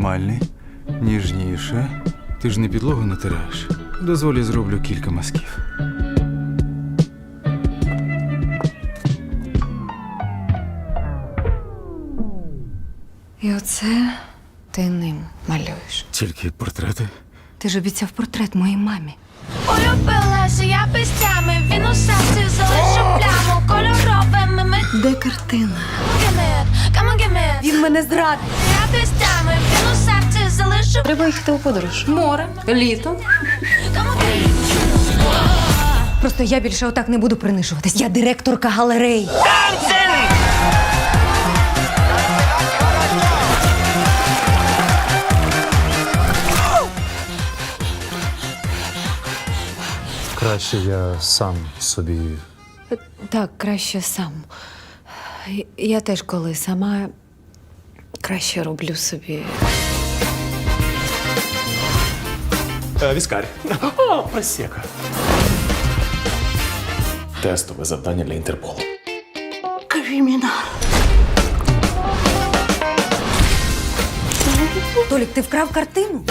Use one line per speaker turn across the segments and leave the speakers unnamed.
нормальний, ніжніше. Ти ж не підлогу натираєш. Дозволі зроблю кілька мазків.
І оце ти ним малюєш.
Тільки портрети.
Ти ж обіцяв портрет моїй мамі.
Улюбилася я пестями, він у серці залишив пляму кольоровими ми.
Де картина?
Come on, give me.
Він мене зрадив.
Я пестями, він у серці залишив.
Треба їхати у подорож. Море, літо.
Come on, give me.
Просто я більше отак не буду принижуватись. Я директорка галереї.
Краще я сам собі.
Так, краще сам. Я теж коли сама краще роблю собі.
Віскарь. О, просека. Тестове завдання для Інтерполу.
Толік, ти вкрав картину?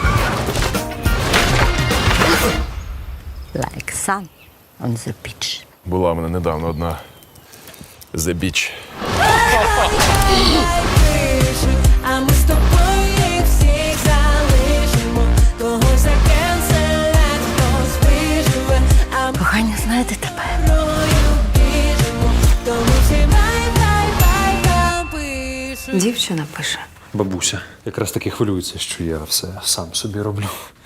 Like sun on the beach.
Була в мене недавно одна The Beach.
А ми з тобою їх всіх залишимо. Когось закенселять, хтось виживе. А ми
Кохання, знаєте тепер.
мною біжимо. Тому всі бай пишуть.
Дівчина пише.
Бабуся якраз таки хвилюється, що я все сам собі роблю.